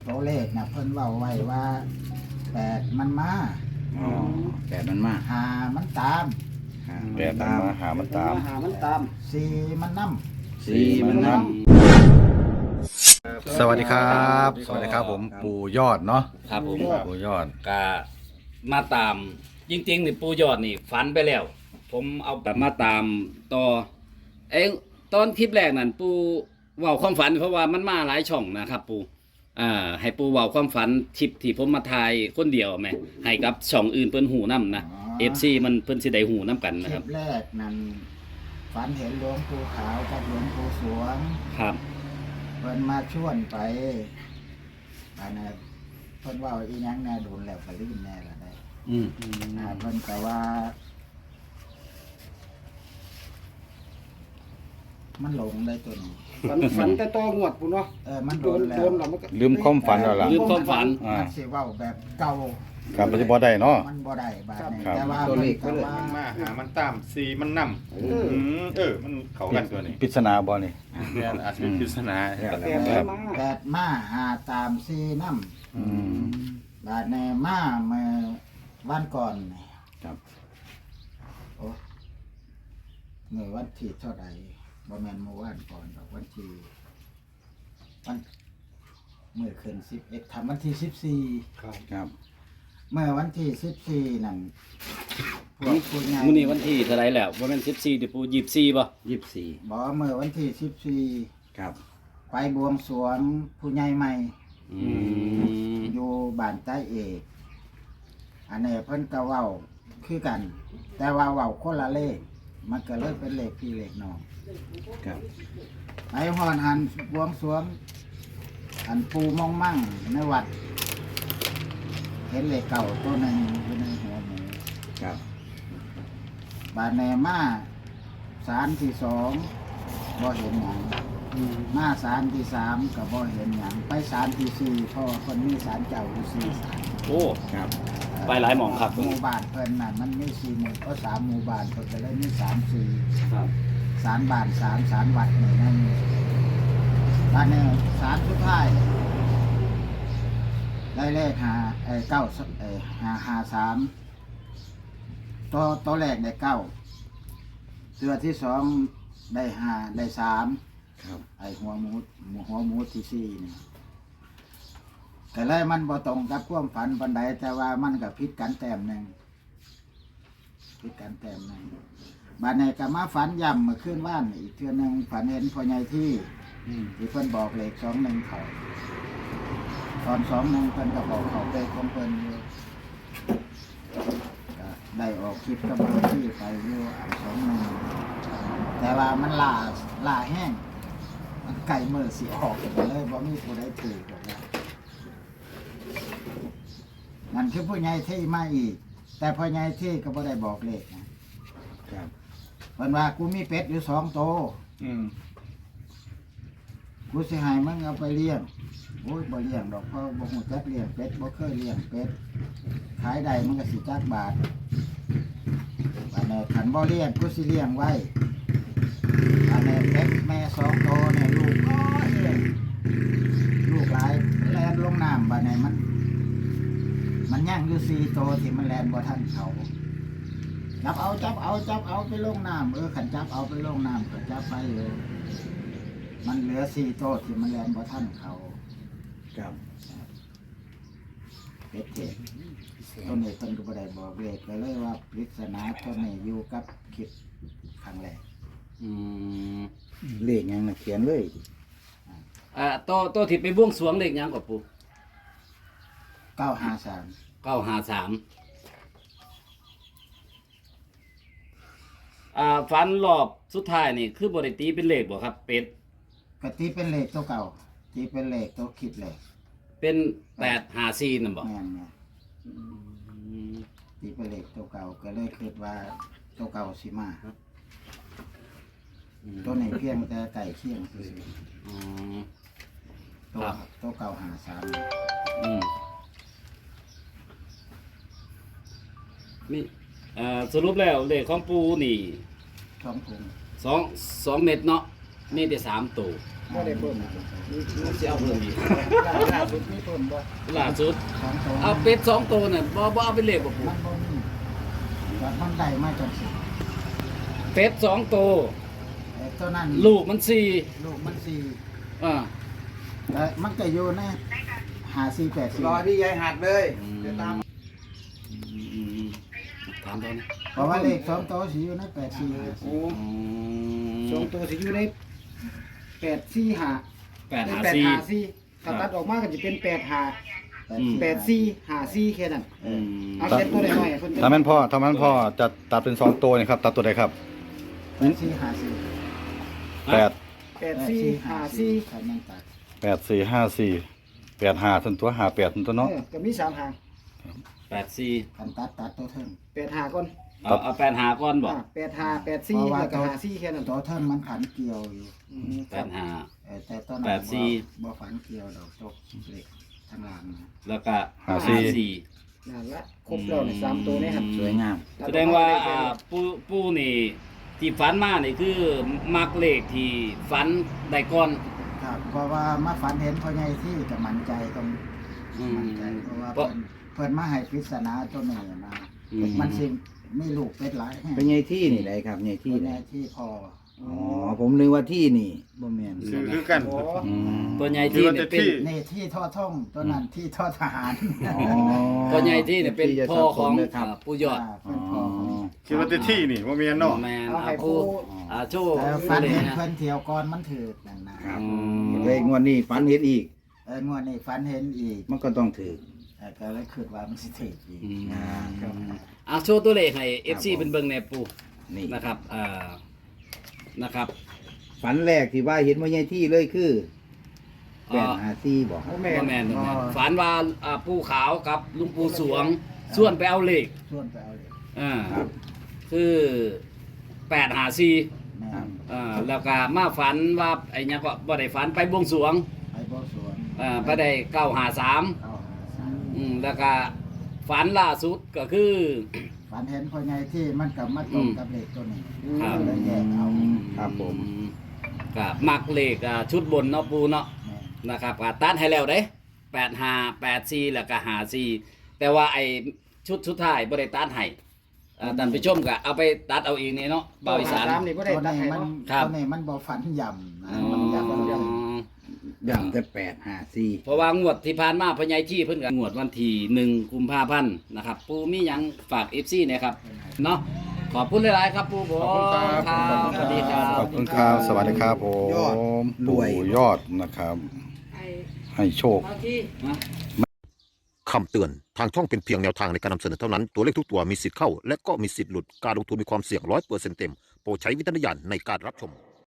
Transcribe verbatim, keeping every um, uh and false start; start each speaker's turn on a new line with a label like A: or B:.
A: ตัวเลขนะเพิ่นเว้าไว้ว่าแปดมันมา
B: อ๋อแปดมันมา
A: หามันตาม
B: หา
C: แปดมันมาหามันตาม
D: หามันตาม
A: สี่มันนํ
B: สี่มันนั่ง
C: สวัสดีครับ สวัสดีครับผมปู่ยอดเนาะ
E: ครับผม
C: ปู่ยอด
E: ก็มาตามจริงๆนี่ปูยอดนี่ฝันไปแล้ว ผมเอาแบบมาตามต่อเอ้ตอนคลิปแรกนั่นปูเว้าความฝันเพราะว่ามันมาหลายช่องนะครับปูอ่าให้ปูเว้าความฝันคลิปที่ผมมาถ่ายคนเดียวแหมให้กับช่องอื่นเพิ่นหูนํนะ เอฟ ซี มันเพิ่นสิได้หูนํกัน
A: ค
E: นะ
A: ลิ
E: ครับ
A: ปแรกนั้นฝันเห็นหลวงปู่ขาวกับหลวงปู่สวง
E: ครับ
A: เพิ่นมาชวนไปอันนั้นเพิ่นเว่าอีหยังแน่โดนแล้วก็ลืมแน่ละได้
E: อืม
A: อ่าเพิ่นก็ว่า มันหลงได้ตัวนี้
D: ฝันฝันแต่ตองวดปุ่นเนาะ
A: เออมัน
D: โด
A: โดน
D: น
A: แล้
D: โด
A: วน
D: แล้วมันก็
C: ลืมความฝันแล้วล่ะ
E: ลืมความฝัน
C: อ่า
A: มันสิเว้าแบบเก่า
C: ครับปัจจุบันได้เนาะ
A: มันบ่ได้บาดนี้
C: ครับ
A: แต่ว่า
D: ตัวเลข
A: มันก็ว่า
F: มันมาหามันตามสีมันนำ
D: เออ
F: อืมเออ มันเข้ากันตัวนี้
C: ปริศนาบ่นี่
F: แม่นอาจจะเป็นปริศนา
D: แต่
C: ค
D: แต่
C: รับ
D: มา
A: แปดมาหาตามซีน้ำ
C: อืม
A: บาดในมาเมื่อวันก่อนนี่
C: ครับ
A: โอ้เมื่อวันที่เท่าไหร่บ่แม่นเมื่อวานก่อนดอกวันที่วันเมื่อคืนสิบเอ็ดทำวันที่สิบสี่
C: ครับ
A: เมื่อวันที่สิบสี่นั่นพวกผู้ใหญ่
E: มื้อนี้วันที่เท่าไหร่แล้วบ่แม่นสิบสี่ติปูยี่สิบสี่บ่
B: ยี่สิบสี่
A: บอกเมื่อวันที่สิบสี่
B: ครับ
A: ไปบวงสรวงผู้ใหญ่ใหม่
E: อืม
A: อยู่บ้านใต้เอกอันนี้เพิ่นก็เว้าคือกัน แต่ว่าเว้าคนละเลขมันก็เลยเป็นเลขพี่เลขน้อง
B: ครับ
A: ไปฮอนหันบวงสรวงอันปูมองมั่งในวัด เห็นเลขเก่าตัวหนึ่งอยู่ในหัวหมู
B: ครับ
A: บาดแนมาสารที่สองบ่เห็นหยังมาสารที่สามก็บ่เห็นหยังไปสารที่สี่เพราะว่าคนมีสารเจ้าอยู่สี่สาร
E: โอ้
B: ครับ
E: ไปหลายหม่องครับ
A: หมู่บ้านเพิ่นน่ะมันมีสี่หมู่ก็สามหมู่บ้านเพิ่นก็เลยมีสามสี่
E: ครับ
A: สารบ้านสามสารวัดนี่นั่นบ้านนี้สารสุดท้ายได้เลขหาไอ้เก้าไอ้หาหาสามตัวตัวแรกได้เก้าตัวที่สองได้ห้าได้สาม
B: ครับ
A: ไอ้หัวหมูหัวหมูที่สี่นี่แต่เลยมันบ่ตรงกับความฝันปันใดแต่ว่ามันก็ผิดกันแต้มหนึ่งผิดกันแต้มหนึ่งบานในก็มาฝันย่ำเมื่อคืนว่านอีกเทื่อหนึงฝันเห็นพ่อใหญ่ที่ที่เพิ่นบอกเลขสองหนึ่งเขาตอนสองหนึ่งเพิ่นก็บอกเขาไปของเพิ่นอยู่ก็ได้ออกคลิปกับพ่อที่ไปอยู่อันสองหนึ่งแต่ว่ามันล่าล่าแห้ง มันไก่มือสีออกไปเลยบ่มีผู้ใดถือหรอกนะนั่นคือผู้ใหญ่ที่มาอีก แต่พ่อใหญ่ที่ก็บ่ได้บอกเลขนะครับ เพิ่นว่ากูมีเป็ดอยู่สองโตว
F: อืม
A: กูสิให้มึงเอาไปเลี้ยงโอ้ยบ่เลี้ยงดอกเพราะบ่ฮู้จักเลี้ยงเป็ดบ่เคยเลี้ยงเป็ดขายได้มันก็สิจักบาทอันนี้คันบ่เลี้ยงกูสิเลี้ยงไว้อันนี้เป็ดแม่สองโตวเนี่ยลูกน้อยเลยลูกหลายแล่นลงน้ำบัดนี้มัน มันย่างอยู่สี่โตวที่มันแล่นบ่ทันเขาจับเอาจับเอาจับเอาไปลงน้ำเออขันจับเอาไปลงน้ำก็จับไปเลย มันเหลือสี่โตวที่มันแลนบ่ท่านเขา
B: ครับ
A: เป็ดเจ็ดต้นนี้ต้นก็บ่ได้บอกเลขไปเลยว่าปริศนาต้นนี้อยู่กับคลิปครั้งแรก
E: อืม
B: เลขยังนะเขียนเลย
E: อ่าตัวตัวที่ไปบวงสรวงเลขหยังกับปู
A: เก้าห้าสาม
E: เก้าห้าสามอ่าฝันรอบสุดท้ายนี่คือบริตีเป็นเลขบ่ครับ เป็ด
A: กตีเป็นเลขตัวเก่าตีเป็นเลขตัวคิดเลข
E: เป็นแปดห้าสี่นั่นบ่
A: แม่นเนี่ย
E: อืม
A: ตีเป็นเลขตัวเก่าก็เลยคิดว่าตัวเก่าสิมาตัวนี้เพียงแต่ไก่เคียงคือ
E: อ๋อ
A: ตัว
E: ครับ
A: ตัวเก่าหาสาม
E: อืมนี่เอ่อสรุปแล้วเลขของปูนี่
A: ช่องพุง
E: สองสองเม็ดเนาะมีแต่สามตัว
D: บ่ได้เพิ่ม
E: มันสิเอาเพิ่มอีก
A: ล่าล่าสุดมีเพิ่มบ่
E: ล่าสุด
A: สองตัว
E: เอาเป็ดสองตัวน่ะบ่บ่เอาไปเลขบ่ปู่
A: มันบ่มีแต่มันได้มาจังสิ
E: เป็ดสองตัว
A: ไอ้ตัวนั้น
E: ลูกมันสี่
A: ลูกมันสี่
E: อ่า
A: แล้วมันก็อยู่ในหาสี่แปดสี่
B: รอที่ยายหัดเลยเดี๋ยวตาม
E: อืมถามตอนนี้
A: เพราะว่าเลขสองตัวสิอยู่ในแปดสี่
D: โอ้สองตัวสิอยู่ในแปดสี่ห้า
E: แปดหา
D: แปด
E: สี่
D: ห้าสี่ถ้าตัดออกมาก็จะเป็นแปดห้า
E: อืม
D: แปดสี่ห้าสี่แค่นั้น
E: อืม
D: เอาเขียนตัวน้อยๆเพิ่นจะ
C: ถ้าแม่นพ่อถ้าแม่นพ่อจะตัดเป็นสองตัวนี่ครับตัดตัวใดครับ
A: แปดสี่หาสี่
C: แปด
D: แปดสี่ห้าสี่
A: คันยังตัด
C: แปดสี่ห้าสี่แปดห้าส่วนตัวห้าแปดส่วนตัวเนาะ
D: เออก็มีสามหาง
E: แปดสี่
A: คันตัดตัดตัวเทิง
D: แปดห้าก่อน
E: เอาเอาแปดหาก่อนบอก
D: อ่าแปดห้าแปดสี่แล้วก็ห้าสี่แค่นั้น
A: ตัวเทิงมันขันเกี่ยวอยู่
D: อืม
E: แปดหา
A: เออแต่ตัวนั้น
E: แปดสี่
A: บ่บ่ฝันเกี่ยวดอกตกเหล็กทางหลังนะ
E: แล้วก็
C: หาสี่
E: สี่
D: นั่นละครบแล้วนี่สามตัวนี่ครับ
B: สวยงาม
E: แสดงว่าอ่าปูปูนี่ที่ฝันมานี่คือมักเลขที่ฝันได้ก่อน
A: ครับเพราะว่ามาฝันเห็นพ่อใหญ่ที่ก็มั่นใจตรง
E: อืม
A: มั่นใจเพราะว่า
E: เพราะ
A: เพิ่นเพิ่นมาให้ปริศนาตัวนี้นะ
E: อืม
A: มันสิมีลูกเป็ดหลายแห่ง
B: เป็นไงที่นี่ได้ครับไงที่
A: พ่อ
B: ไห
A: ให
B: น
A: ญ่ที่พอ
B: อ๋อผมนึกว่าที่นี่บ่แม่น
F: คือคือกัน
D: โอ้
C: อืม
E: ตัวใหญ่ที่เนี่ยเป็น
F: ที่
A: นี่ที่ทอท่องตัวนั้นที่ทอทหาร
B: อ๋อ
E: ตัวใหญ่ที่เนี่ยเป็น
B: จะ
E: พ่อของ
B: สับสนเลยครับ
E: อ่าปู่ยอด
A: าเป็นพ่อของ
F: คิดว่าแต่ที่นี่ว่ามีอันเนอก
E: แมน
D: เอา
E: อา
D: ให้
E: ปู
D: ปู
E: อาโชว์
A: แต่ฝัน
E: เลย
A: เห็น
E: นะ
A: เพิ่นเที่ยวก่อนมันถือนั่นนะ
B: ครับ
E: อืม
B: เลยงวดนี้ฝันเห็นอีก
A: เอองวดนี้ฝันเห็นอีก
B: มันก็ต้องถือ
A: เออก็เลยคิดว่ามันสิถืออีก
E: อืม
B: อ่าครับ
E: อาโชว์ตัวเลขให้เอฟซีเป็นเบิ่งในปู
B: นี่
E: นะครับอ่านะครับ
B: ฝันแรกที่ว่าเห็นว่าไงที่เลยคือ
E: อ๋
B: แป
E: อ
B: ดหาซี่บอกครับ
D: แม่
E: บ่แมนบ่แมนฝันว่าอ่าปูขาวกับลุงปูสวงส่วนไปเอาเลข
A: ชวนไปเอาเลย
E: อ่า
B: ครับ
E: คือแปดหาสี่
A: แม่
B: ครับ
E: อ่าแล้วก็มาฝันว่าไอ้เนี้ยก็บ่ได้ฝันไปบวงสรวง
A: ไปบ่สวน
E: อ่าไปได้เก้าหาสาม
A: เอาหาสาม
E: อืมแล้วก็ฝันล่าสุดก็คือ
A: ฝันเห็นพ่อใหญ่ที่มันกับมาตรงกับเลขตัวนี้
E: ครับ
A: ก็เลยแยกเอา
B: ครับผม
E: ก็มักเลขอ่าชุดบนเนาะปูเนาะ
A: แม่
E: นะครับก็ตัดให้แล้วเด้แปดห้าแปดสี่แล้วก็หาสี่แต่ว่าไอ้ชุดสุดท้ายบ่ได้ตัดให้อ่าท่านผู้ชมก็เอาไปตัดเอาเองนี่เนาะเบาอีสาน
D: สามนี่บ่ได้
A: ตัว
D: ตัด
A: นี้
D: ให้
A: มัน
D: เนาะ
E: ครับ
A: ตัวนี้มันบ่ฝันย่ำนะ
E: อ๋อ
A: มันย่ำย่
B: อย่างแต่แปดหาซี่
E: เพราะว่างวดที่ผ่านมาพ่อใหญ่ที่เพิ่นก็งวดวันที่หนึ่งกุมภาพันธ์นะครับ ปูมีหยังฝาก เอฟ ซี เนี่ยครับเนาะขอบคุณหลายๆครับปูผม
F: ขอบคุณครับ
E: ครับสวัสดีครับ
C: ขอบคุณครับสวัสดีครับผม
B: ยอดรวย
C: ปู่ยอดนะครับ ให้โชค
G: คำเตือน ทางช่องเป็นเพียงแนวทางในการนำเสนอเท่านั้น ตัวเลขทุกตัวมีสิทธิ์เข้า และก็มีสิทธิ์หลุด การลงทุนมีความเสี่ยงร้อยเปอร์เซ็นต์เต็ม โปรดใช้วิจารณญาณในการรับชม